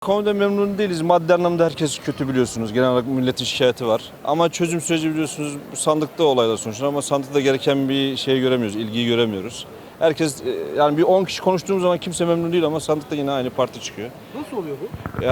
Konuda memnun değiliz. Maddi anlamda herkes kötü biliyorsunuz. Genel olarak milletin şikayeti var. Ama çözüm süreci biliyorsunuz bu sandıkta olaylar sonuçta ama sandıkta gereken bir şey göremiyoruz, ilgiyi göremiyoruz. Herkes yani bir 10 kişi konuştuğumuz zaman kimse memnun değil ama sandıkta yine aynı parti çıkıyor. Nasıl oluyor bu?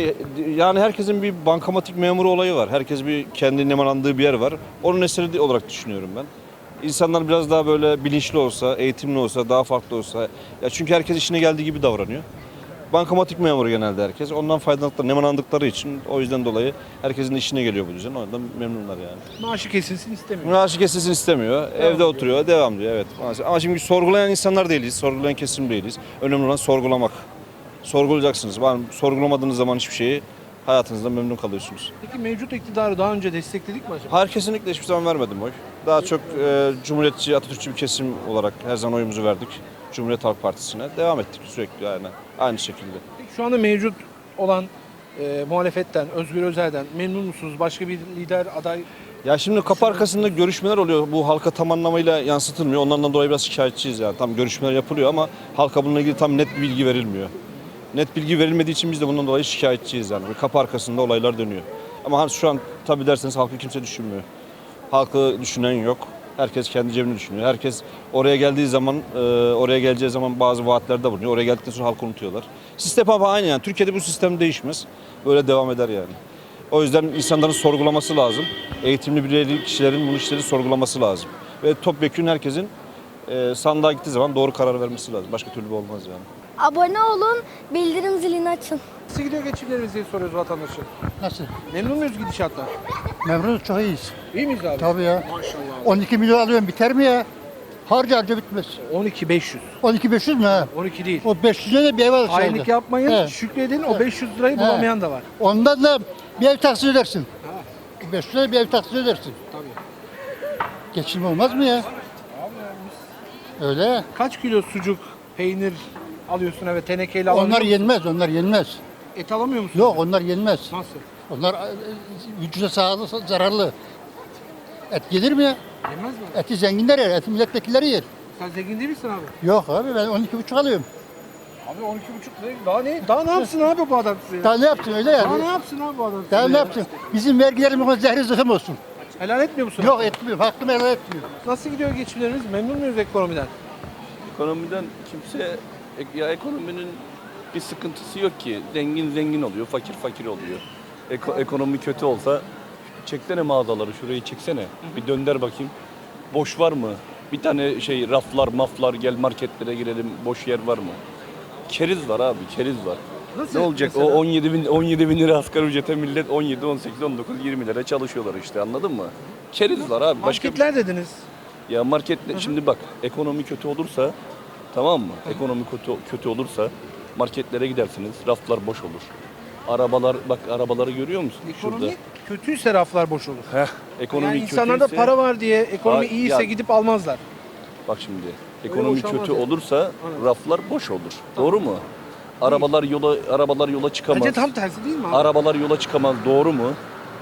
Yani herkesin bir bankamatik memuru olayı var. Herkes bir kendi nemalandığı bir yer var. Onun eseri olarak düşünüyorum ben. İnsanlar biraz daha böyle bilinçli olsa, eğitimli olsa, daha farklı olsa. Ya çünkü herkes işine geldiği gibi davranıyor. Bankamatik memuru genelde herkes. Ondan faydalandıkları, nemalandıkları için o yüzden dolayı herkesin işine geliyor bu düzen. Ondan memnunlar yani. Maaşı kesilsin istemiyor. Maaşı kesilsin istemiyor. Evde oturuyor, devam diyor. Evet. Maalesef. Ama şimdi sorgulayan insanlar değiliz. Sorgulayan kesim değiliz. Önemli olan sorgulamak. Sorgulayacaksınız. Sorgulamadığınız zaman hiçbir şeyi hayatınızda memnun kalıyorsunuz. Peki mevcut iktidarı daha önce destekledik mi acaba? Hayır, kesinlikle hiçbir zaman vermedim oy. Daha çok Cumhuriyetçi, Atatürkçü bir kesim olarak her zaman oyumuzu verdik. Cumhuriyet Halk Partisi'ne. Devam ettik sürekli yani. Aynı şekilde. Peki şu anda mevcut olan muhalefetten, Özgür Özel'den memnun musunuz? Başka bir lider aday? Ya şimdi kapı arkasında görüşmeler oluyor. Bu halka tam anlamıyla yansıtılmıyor. Onlardan dolayı biraz şikayetçiyiz yani. Tam görüşmeler yapılıyor ama halka bununla ilgili tam net bir bilgi verilmiyor. Net bilgi verilmediği için biz de bundan dolayı şikayetçiyiz yani. Kapı arkasında olaylar dönüyor. Ama şu an tabii derseniz halkı kimse düşünmüyor. Halkı düşünen yok. Herkes kendi cebini düşünüyor. Herkes oraya geldiği zaman, oraya geleceği zaman bazı vaatlerde bulunuyor. Oraya geldikten sonra halkı unutuyorlar. Sistem ama aynı yani. Türkiye'de bu sistem değişmez. Böyle devam eder yani. O yüzden insanların sorgulaması lazım. Eğitimli bireyli kişilerin bu işleri sorgulaması lazım. Ve topyekün herkesin sandığa gittiği zaman doğru karar vermesi lazım. Başka türlü olmaz yani. Abone olun, bildirim zilini açın. Nasıl gidiyor geçimlerimiz diye soruyoruz vatandaşa. Nasıl? Memnun muyuz gidişattan? Memnunuz, çok iyiyiz. İyi miyiz abi? Tabii ya. Maşallah. 12 milyon alıyorum, biter mi ya? Harca bitmez. 12.500. 12.500 mü ha? 12 değil. O 500'e de bir ev alırız. Hainlik yapmayın, He. şükredin. O 500 lirayı He. bulamayan da var. Ondan da bir ev taksit edersin. Ha, 500'e bir ev taksit edersin. tabii. Geçim olmaz mı ya? Öyle. Kaç kilo sucuk, peynir alıyorsun eve tenekeyle alabiliyor Onlar musun? yenmez, onlar yenmez. Et alamıyor musun? Yok, onlar yenmez. Nasıl? Onlar vücuda sağlığı zararlı. Et gelir mi ya? Yemez mi? Eti zenginler yer, eti milletvekilleri yer. Sen zengin değil misin abi? Yok abi, ben 12,5 alıyorum. Abi 12,5 lira. Daha ne? Daha ne yapsın abi bu adam size? Daha ne yaptın öyle Daha ne yani? yapsın abi bu adam size? Daha ne ya? yaptın? Bizim vergilerimiz zehri zıkkım olsun. Helal etmiyor musun? Yok etmiyorum, hakkımı helal etmiyorum. Nasıl gidiyor geçimlerimiz? Memnun muyuz ekonomiden? Ekonomiden kimse, ya ekonominin bir sıkıntısı yok ki. Zengin zengin oluyor, fakir fakir oluyor. Ekonomi kötü olsa çeksene mağazaları, şurayı çeksene. Bir dönder bakayım. Boş var mı? Bir tane raflar maflar, gel marketlere girelim, boş yer var mı? Keriz var abi, keriz var. Nasıl Ne olacak? mesela? O 17 bin lira asgari ücrete millet 17, 18, 19, 20 lira çalışıyorlar işte, anladın mı? Keriz var abi. Marketler dediniz. Ya marketle şimdi bak, ekonomi kötü olursa, tamam mı? Ekonomi kötü olursa marketlere gidersiniz, raflar boş olur. Arabaları görüyor musun Ekonomi şurada? kötüyse raflar boş olur. Ekonomi Yani insanlarda kötüyse- para var diye ekonomi Ha, iyiyse ya- gidip almazlar. Bak şimdi, ekonomi boşalmaz kötü yani. olursa Aynen. raflar boş olur. Doğru mu? Arabalar yola çıkamaz. Bence tam tersi değil mi abi? Arabalar yola çıkamaz. Doğru mu?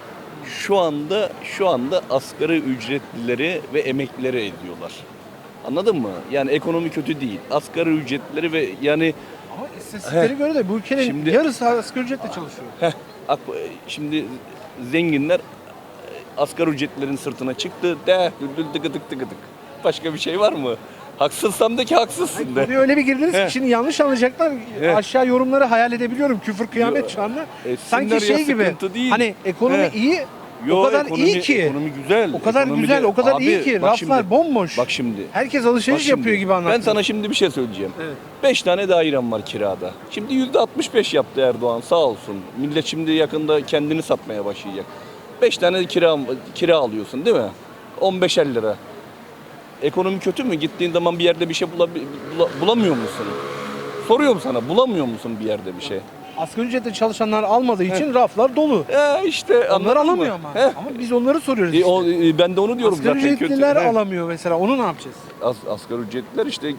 Şu anda asgari ücretlileri ve emeklileri ediyorlar. Anladın mı? Yani ekonomi kötü değil. Asgari ücretlileri ve yani Ama istatistiklere göre de bu ülkenin Şimdi- yarısı asgari ücretle çalışıyor. şimdi zenginler asgari ücretlilerin sırtına çıktı. De düldül tıkı tık tıkı tık. Başka bir şey var mı? Haksızsam de ki haksızsın de. Konuya öyle bir girdiniz ki He. şimdi yanlış anlayacaklar. He. Aşağı yorumları hayal edebiliyorum. Küfür kıyamet Yo, şu anda. etsinler Sanki ya, şey gibi. sıkıntı değil. Hani ekonomi He. iyi. Yo, o kadar ekonomi- iyi ki. Ekonomi güzel. O kadar Ekonomide- güzel, o kadar Abi, iyi ki. bak Raflar şimdi, bomboş. Bak şimdi. Herkes alışveriş Bak şimdi, yapıyor gibi anlattın. Ben sana şimdi bir şey söyleyeceğim. Evet. 5 tane dairem var kirada. Şimdi %65 yaptı Erdoğan, sağ olsun. Millet şimdi yakında kendini satmaya başlayacak. 5 tane kira alıyorsun değil mi? 15'er lira. Ekonomi kötü mü? Gittiğin zaman bir yerde bir şey bulamıyor musun? Soruyorum sana, bulamıyor musun bir yerde bir şey? Asgari ücretle çalışanlar almadığı için raflar dolu. İşte Onlar anladın mı? alamıyor ama. He. Ama biz onları soruyoruz işte. Ben de onu diyorum Asgari zaten kötü. ücretliler He. alamıyor mesela. Onu ne yapacağız? Asgari ücretliler işte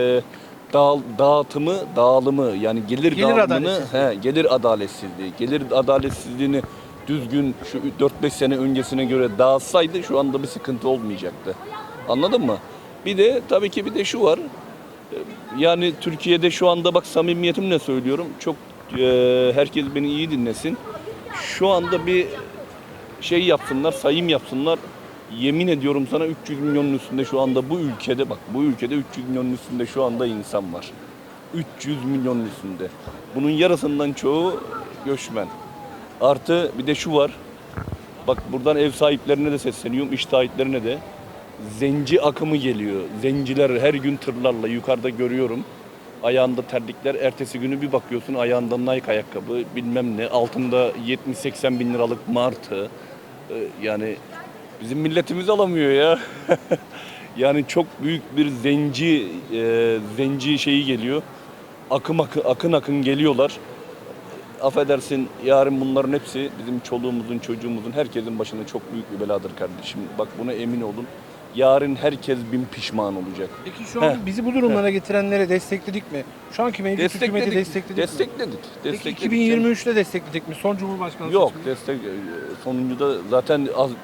dağılımı yani gelir dağılımını, adaletsizliği. gelir adaletsizliği. Gelir adaletsizliğini düzgün şu 4-5 sene öncesine göre dağıtsaydı şu anda bir sıkıntı olmayacaktı. Anladın mı? Bir de tabii ki bir de şu var. Yani Türkiye'de şu anda bak samimiyetimle söylüyorum. Çok herkes beni iyi dinlesin. Şu anda bir şey yapsınlar, sayım yapsınlar. Yemin ediyorum sana 300 milyonun üstünde şu anda bu ülkede, bak bu ülkede 300 milyonun üstünde şu anda insan var. 300 milyonun üstünde. Bunun yarısından çoğu göçmen. Artı bir de şu var. Bak buradan ev sahiplerine de sesleniyorum, iş sahiplerine de. Zenci akımı geliyor. Zenciler her gün tırlarla yukarıda görüyorum. Ayağında terlikler. Ertesi günü bir bakıyorsun ayağında Nike ayakkabı bilmem ne. Altında 70-80 bin liralık martı. Yani bizim milletimiz alamıyor ya. Yani çok büyük bir zenci şeyi geliyor. Akın geliyorlar. Affedersin yarın bunların hepsi bizim çoluğumuzun, çocuğumuzun, herkesin başına çok büyük bir beladır kardeşim. Bak buna emin olun. Yarın herkes bin pişman olacak. Peki şu an bizi bu durumlara getirenlere destekledik mi? Şu anki mevcut hükümeti destekledik mi? Destekledik. Peki 2023'te destekledik mi? Son Cumhurbaşkanı Yok, seçiminde. sonuncuda zaten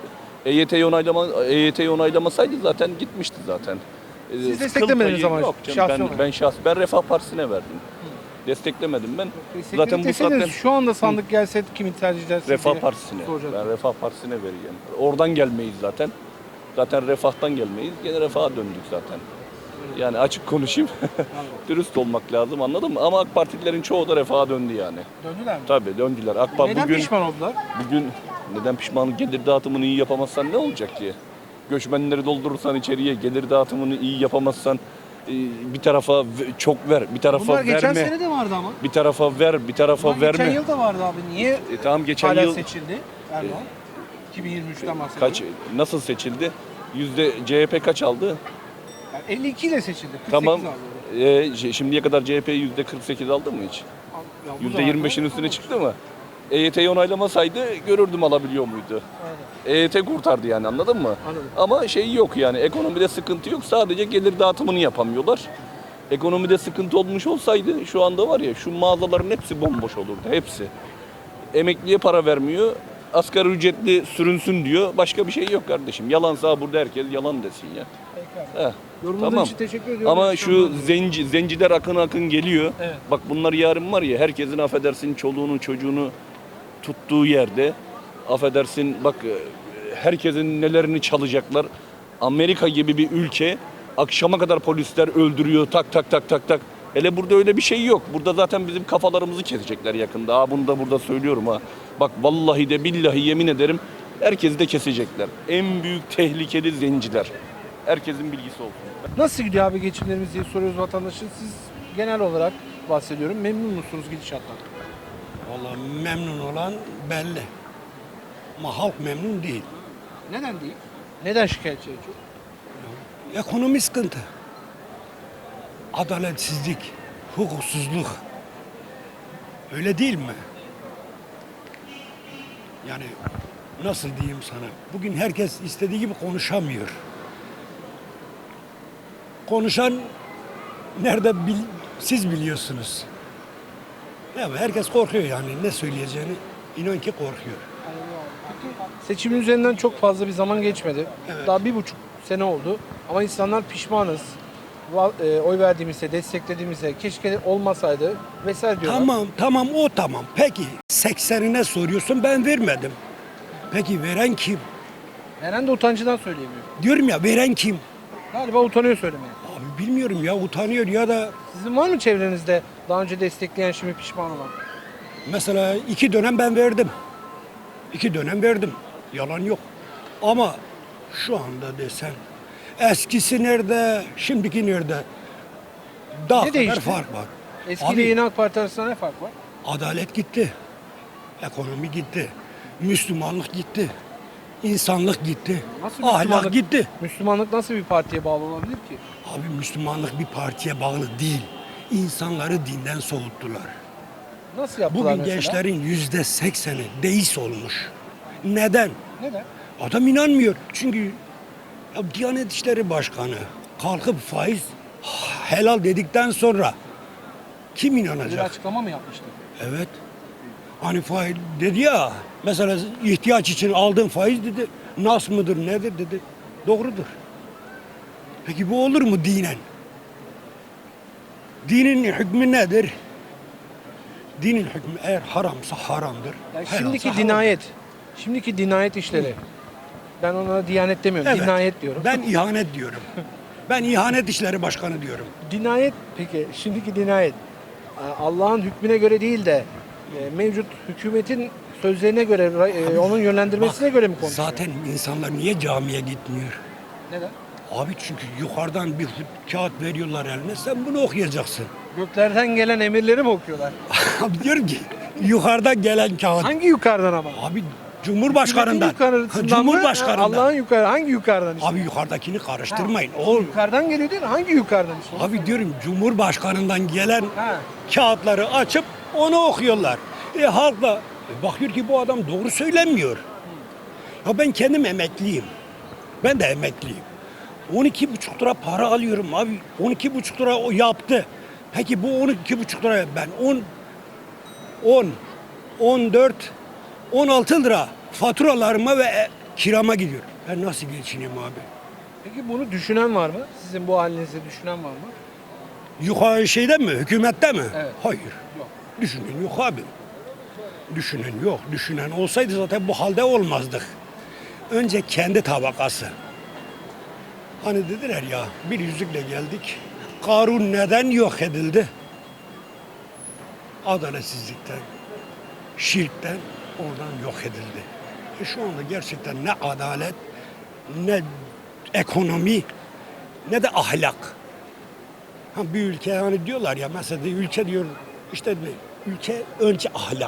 EYT'yi onaylamasaydı zaten gitmişti zaten. Siz desteklemediniz ama yok şahsi canım, olarak. ben Refah Partisi'ne verdim. Desteklemedim ben. Destekledik Zaten bu deseydiniz, saatten şu anda sandık gelse kimi tercih edersiniz Refah diye Partisi'ne. soracaktım. Ben Refah Partisi'ne vereceğim. Oradan gelmeyiz zaten. Zaten refahtan gelmeyiz. Gene refaha döndük zaten. Yani açık konuşayım. Dürüst olmak lazım, anladın mı? Ama AK Partililerin çoğu da refaha döndü yani. Döndüler mi? Tabii döndüler. AK Parti Neden pişman oldular? bugün neden pişman? Gelir dağıtımını iyi yapamazsan ne olacak ki? Göçmenleri doldurursan içeriye, gelir dağıtımını iyi yapamazsan bir tarafa çok ver, bir tarafa Bunlar geçen verme. sene de vardı ama. Bir tarafa ver, bir tarafa Bunlar verme. geçen yıl da vardı abi. Niye Tamam geçen hala yıl seçildi Erdoğan? 2023'ten bahsediyorum. kaç nasıl seçildi? CHP kaç aldı? Yani 52 ile seçildi. 48 Tamam. aldı. Şimdiye kadar CHP %48 aldı mı hiç? Ya bu zamanda- %25'in üstüne çıktı mı? EYT'yi onaylamasaydı görürdüm alabiliyor muydu? Aynen. EYT kurtardı yani, anladın mı? Anladım. Ama şey yok yani, ekonomide sıkıntı yok, sadece gelir dağıtımını yapamıyorlar. Ekonomide sıkıntı olmuş olsaydı şu anda var ya, şu mağazaların hepsi bomboş olurdu, hepsi. Emekliye para vermiyor, asgari ücretli sürünsün diyor, başka bir şey yok kardeşim. Yalansa burada herkes yalan desin ya. Peki abi. Heh. Yorumunuz Tamam. için teşekkür ediyorum. Ama şu zenciler akın geliyor. Evet. Bak bunlar yarın var ya, herkesin affedersin çoluğunu çocuğunu tuttuğu yerde, affedersin bak herkesin nelerini çalacaklar. Amerika gibi bir ülke akşama kadar polisler öldürüyor tak. Hele burada öyle bir şey yok. Burada zaten bizim kafalarımızı kesecekler yakında. Bunu da burada söylüyorum ha. Bak vallahi de billahi yemin ederim herkesi de kesecekler. En büyük tehlikeli zenciler. Herkesin bilgisi olsun. Nasıl gidiyor abi geçimlerimiz diye soruyoruz vatandaşın. Siz genel olarak bahsediyorum. Memnun musunuz gidişattan? Vallahi memnun olan belli. Ama halk memnun değil. Neden değil? Neden şikayetçi en çok? Ekonomi sıkıntı. Adaletsizlik, hukuksuzluk. Öyle değil mi? Yani nasıl diyeyim sana? Bugün herkes istediği gibi konuşamıyor. Konuşan nerede siz biliyorsunuz. Ya herkes korkuyor yani ne söyleyeceğini inan ki korkuyor. Seçimin üzerinden çok fazla bir zaman geçmedi. Daha 1,5 sene oldu. Ama insanlar pişmanız. Oy verdiğimizde, desteklediğimizde keşke olmasaydı vesaire diyorlar. Tamam o tamam. Peki 80'ine soruyorsun ben vermedim. Peki veren kim? Veren de utancından söyleyemiyor. Diyorum ya veren kim? Galiba utanıyor söylemeye. Abi bilmiyorum ya utanıyor ya da Sizin var mı çevrenizde daha önce destekleyen şimdi pişman olan? mesela 2 dönem ben verdim. 2 dönem verdim. Yalan yok. Ama şu anda desen eskisi nerede, şimdiki nerede? Daha Ne kadar değişti? fark var. Eski Abi, ile yeni AK Parti arasında ne fark var? adalet gitti. Ekonomi gitti. Müslümanlık gitti. İnsanlık gitti. Nasıl Ahlak Müslümanlık? gitti. Müslümanlık nasıl bir partiye bağlı olabilir ki? Abi Müslümanlık bir partiye bağlı değil. İnsanları dinden soğuttular. Nasıl yaptılar Bugün mesela? gençlerin %80'i deist olmuş. Neden? Neden? Adam inanmıyor. Çünkü ya Diyanet İşleri Başkanı kalkıp faiz helal dedikten sonra kim Bir inanacak? açıklama mı yapmıştı? Evet. Hani faiz dedi ya, mesela ihtiyaç için aldığın faiz dedi, nas mıdır nedir dedi. Doğrudur. Peki bu olur mu dinen? Dinin hükmü nedir? Dinin hükmü eğer haramsa haramdır. Yani helalsa şimdiki halaldir. şimdiki dinayet işleri. Ben ona diyanet demiyorum, Evet. dinayet diyorum. Ben ihanet diyorum. Ben ihanet işleri başkanı diyorum. Dinayet peki, şimdiki dinayet Allah'ın hükmüne göre değil de mevcut hükümetin sözlerine göre, onun yönlendirmesine göre mi konuşuyor? Zaten insanlar niye camiye gitmiyor? Neden? Abi çünkü yukarıdan bir kağıt veriyorlar eline, sen bunu okuyacaksın. Göklerden gelen emirleri mi okuyorlar? Abi diyorum ki yukarıdan gelen kağıt. Hangi yukarıdan ama? Abi Cumhurbaşkanından. Hükümetin yukarısından mı? Cumhurbaşkanından. Allah'ın yukarı, hangi yukarıdan işte? Abi yukarıdakini karıştırmayın. O Yukarıdan geliyor değil mi? Hangi yukarıdan işte? abi diyorum Cumhurbaşkanından gelen Ha. kağıtları açıp onu okuyorlar. Halk da bakıyor ki bu adam doğru söylemiyor. Ya ben kendim emekliyim. Ben de emekliyim. 12,5 lira para alıyorum abi. 12,5 lira o yaptı. Peki bu 12,5 liraya ben 10, 14, 16 lira faturalarıma ve kirama gidiyor. Ben nasıl geçineyim abi? Peki bunu düşünen var mı? Sizin bu halinizi düşünen var mı? Yukarı şeyde mi? Hükümette mi? Evet. Hayır. Yok. Düşünen yok abi. Düşünen yok. Düşünen olsaydı zaten bu halde olmazdık. Önce kendi tabakası. Hani dediler ya bir yüzükle geldik. Karun neden yok edildi? Adaletsizlikten, şirkten oradan yok edildi. Şu anda gerçekten ne adalet, ne ekonomi, ne de ahlak. Ha, bir ülke hani diyorlar ya mesela ülke diyor işte ülke önce ahlak,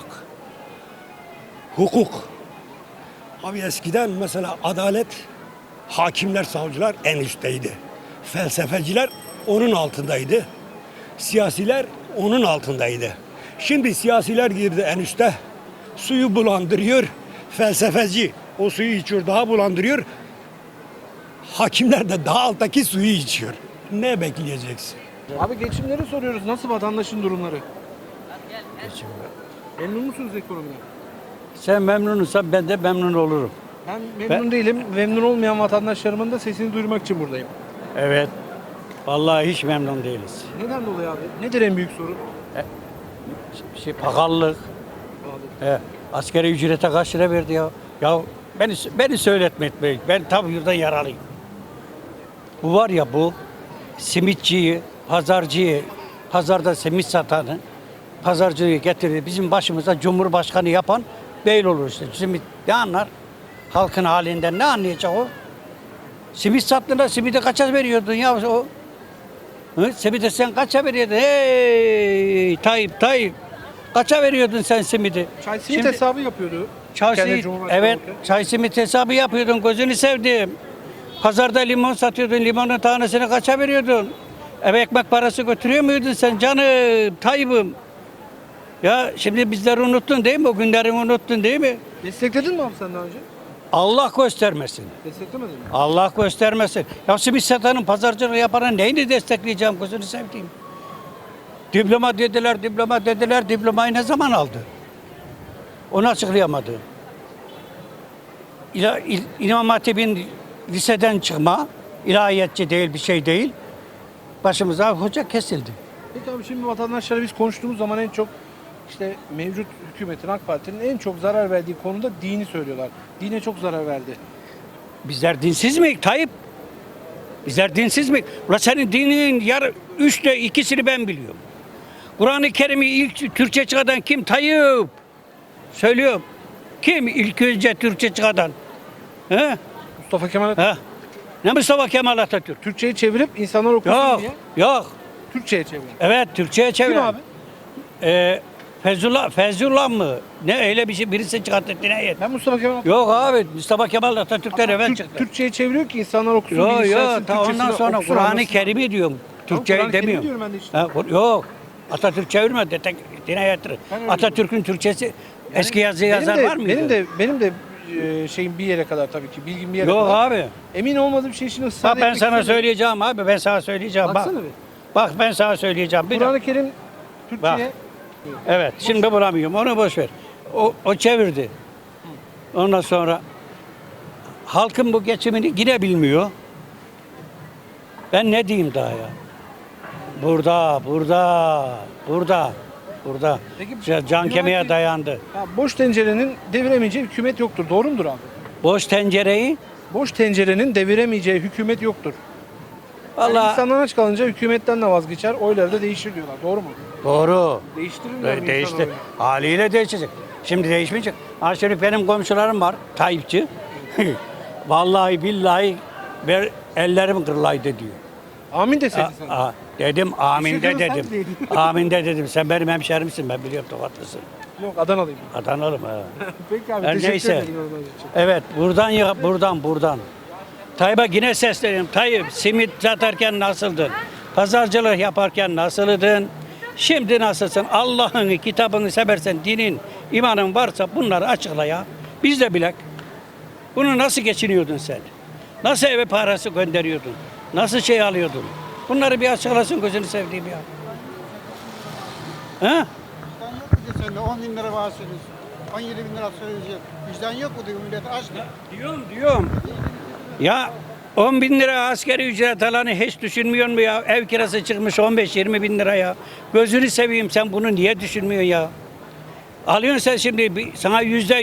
hukuk. Abi eskiden mesela adalet, hakimler, savcılar en üstteydi. Felsefeciler onun altındaydı. Siyasiler onun altındaydı. Şimdi siyasiler girdi en üste. Suyu bulandırıyor. Felsefeci o suyu içiyor, daha bulandırıyor. Hakimler de daha alttaki suyu içiyor. Ne bekleyeceksin? Abi geçimleri soruyoruz. Nasıl vatandaşın durumları? Memnun musunuz ekonomiden? Sen memnunsan ben de memnun olurum. Ben memnun değilim. Memnun olmayan vatandaşlarımın da sesini duyurmak için buradayım. Evet. Vallahi hiç memnun değiliz. Neden dolayı abi? Nedir en büyük sorun? Pahalılık. Askeri ücrete kaç lira verdi ya? Ya beni söyletme etmeyin. Ben tabii yurdan yaralıyım. Bu var ya bu simitçiyi, pazarcıyı, pazarda simit satanı, pazarcıyı getirdi. Bizim başımıza Cumhurbaşkanı yapan beyl olur işte. Simit ne anlar? Halkın halinden ne anlayacak o? Simit sattığında simidi kaça veriyordun ya o? Simidi sen kaça veriyordun? Hey Tayyip. Kaça veriyordun sen simidi? Çay simit hesabı yapıyordu. Çay Kendi simit, Cumhurbaşkanı evet olurken. çay simit hesabı yapıyordun, gözünü sevdim. Pazarda limon satıyordun, limonun tanesini kaça veriyordun? Eve ekmek parası götürüyor muydun sen canım, Tayyip'im? Ya şimdi bizleri unuttun değil mi? O günleri unuttun değil mi? Destekledin mi abi sen daha önce? Allah göstermesin. Desteklemedin mi? Allah göstermesin. Ya simit satanın, pazarcılığı yapanın neyini destekleyeceğim gözünü sevdiğim? Diploma dediler. Diplomayı ne zaman aldı? Onu açıklayamadı. İmam Hatip'in liseden çıkma, ilahiyatçı değil, bir şey değil. Başımıza hoca kesildi. Peki abi şimdi vatandaşlara biz konuştuğumuz zaman en çok işte mevcut hükümetin, AK Parti'nin en çok zarar verdiği konuda dini söylüyorlar. Dine çok zarar verdi. Bizler dinsiz miyiz Tayyip? Bizler dinsiz miyiz? Ulan senin dininin üçte ikisini ben biliyorum. Kur'an-ı Kerim'i ilk Türkçe çıkaran kim? Tayyip. Söylüyorum. Kim ilk önce Türkçe çıkaran? He? Mustafa Kemal Atatürk. He? Ne Mustafa Kemal Atatürk? Türkçeyi çevirip insanlar okusun Yok, diye yok. Türkçe'ye çeviren. Evet, Türkçe'ye çevir. Kim abi? Fezullah mı? Ne öyle bir şey birisi çıkarttı dinayet. Ben Mustafa Kemal Atatürk. Yok abi, Mustafa Kemal Atatürk'ten evvel çıktı. Türkçe'ye çeviriyor ki insanlar okusun Yok diye. yok, ta ondan sonra Kur'an-ı Kerim'i diyorum. Türkçeyi Kur'an-ı Kerim'i demiyorum. diyorum ben de işte. Ha, yok. Atatürk çevirmedi. Dinayettir. Ben öyle Atatürk'ün Türkçesi eski yazı yazar var mıydı? Benim de şeyim bir yere kadar tabii ki. Bilgim bir yere Yok kadar. abi. Emin olmadığım şey için ısrar Bak ben etmek sana istemiyorum. söyleyeceğim abi. Ben sana söyleyeceğim. Bak. Baksana bir. Bak ben sana söyleyeceğim. Bir Kur'an-ı Kerim Türkçe'ye Evet, şimdi bulamıyorum. Onu boş ver. O çevirdi. Ondan sonra halkın bu geçimini yine bilmiyor. Ben ne diyeyim daha ya? Burada. burada. Peki, Can kemiğe Yunan- dayandı. Ya boş tencerenin deviremeyeceği hükümet yoktur. Doğru mudur abi? Boş tencereyi Boş tencerenin deviremeyeceği hükümet yoktur. Yani vallahi insanlar aç kalınca hükümetten de vazgeçer, oyları da değişir diyorlar. Doğru mu? doğru. Değiştirirler mi Değişti. insan oyunu? Haliyle değişecek. Şimdi değişmeyecek. Ha şimdi benim komşularım var. Tayyipçi. Vallahi billahi ellerim kırılaydı diyor. Amin deseydin sen. Dedim amin de Teşekkür ederim, dedim. sen de Amin de dedim. Sen benim hemşerimsin, ben biliyorum, Tokatlısın. Yok, Adanalıyım. Adanalım ha. Peki abi, Her teşekkür neyse. ederim. yorumlarınız için. Evet, buradan. Tayyip'e yine sesleniyorum. Tayyip, simit satarken nasıldın? Pazarcılık yaparken nasıldın? Şimdi nasılsın? Allah'ın kitabını seversen, dinin, imanın varsa bunları açıkla ya. Biz de bilek. Bunu nasıl geçiniyordun sen? Nasıl eve parası gönderiyordun? Nasıl şey alıyordun? Bunları bir açıklasın, gözünü sevdiğim ya. Ha? Sen de 10 bin lira bahsediyorsun. 17 bin lira söyleyecek. Vicdan yok mu diyor, millet aç diyor. Diyorum. Ya 10 bin lira askeri ücret alanı hiç düşünmüyor mu ya? Ev kirası çıkmış 15-20 bin lira ya. Gözünü seveyim, sen bunu niye düşünmüyorsun ya? Alıyorsun sen şimdi sana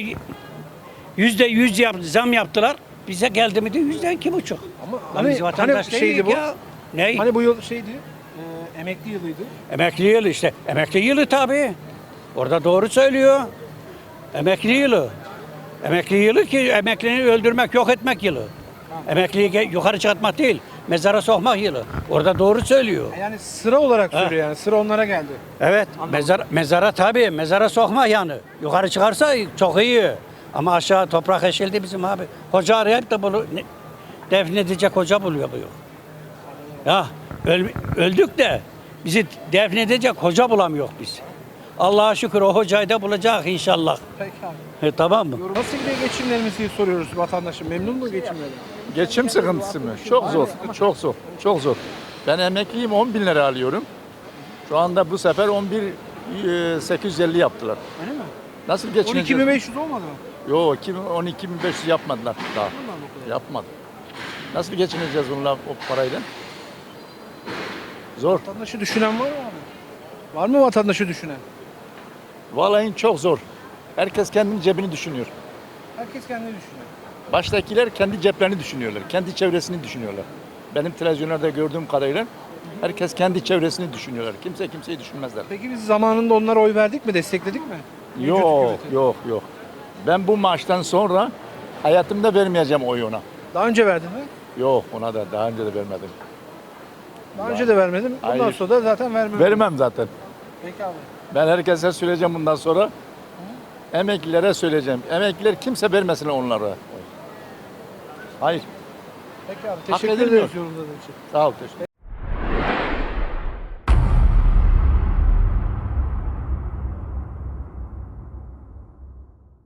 %100 zam yaptılar. Bize geldi mi de %2,5. Ama Lan biz vatandaş şeydi değiliz bu? ya. Ne? Hani bu yıl şeydi, emekli yılıydı. Emekli yılı işte. Emekli yılı tabii. Orada doğru söylüyor. Emekli yılı. Emekli yılı ki emekliliği öldürmek, yok etmek yılı. Emekliyi yukarı çıkartmak değil, mezara sokmak yılı. Orada doğru söylüyor. Yani sıra olarak söylüyor yani. Sıra onlara geldi. Evet, mezara tabii, mezara sokmak yani. Yukarı çıkarsa çok iyi. Ama aşağı toprak eşildi bizim abi. Hoca arayıp da bunu defnedecek hoca buluyor bu yok. Ya öldük de bizi defnedecek hoca bulamıyor biz. Allah'a şükür o hocayı da bulacak inşallah. Peki abi. Tamam mı? Nasıl gidiyor geçimlerimiz diye soruyoruz vatandaşım. Memnun mu geçimleri? Geçim sıkıntısı mı? Çok zor, çok zor, çok zor. Ben emekliyim, 10 bin lira alıyorum. Şu anda bu sefer 11.850 yaptılar. Öyle mi? Nasıl geçineceğiz? 12.500 olmadı mı? Yok, 12.500 yapmadılar daha. Yapmadı. Nasıl geçineceğiz onunla, o parayla? Zor. Vatandaşı düşünen var mı abi? Var mı vatandaşı düşünen? Vallahi çok zor. Herkes kendinin cebini düşünüyor. Herkes kendini düşünüyor. Baştakiler kendi ceplerini düşünüyorlar, kendi çevresini düşünüyorlar. Benim televizyonlarda gördüğüm kadarıyla herkes kendi çevresini düşünüyorlar. Kimse kimseyi düşünmezler. Peki biz zamanında onlara oy verdik mi, destekledik mi? Mevcut Yok, hükümeti. yok. Ben bu maçtan sonra hayatımda vermeyeceğim oy ona. Daha önce verdin mi? Yok, ona da daha önce de vermedim. Daha önce de vermedim. Bundan Hayır. sonra da zaten vermem. Vermem zaten. Peki abi. Ben herkese söyleyeceğim bundan sonra. Emeklilere söyleyeceğim. Emekliler kimse vermesin onlara. Hayır. Peki abi. Hak Teşekkür edilmiyor. ederiz yorumladığın için. Sağ ol. Teşekkür.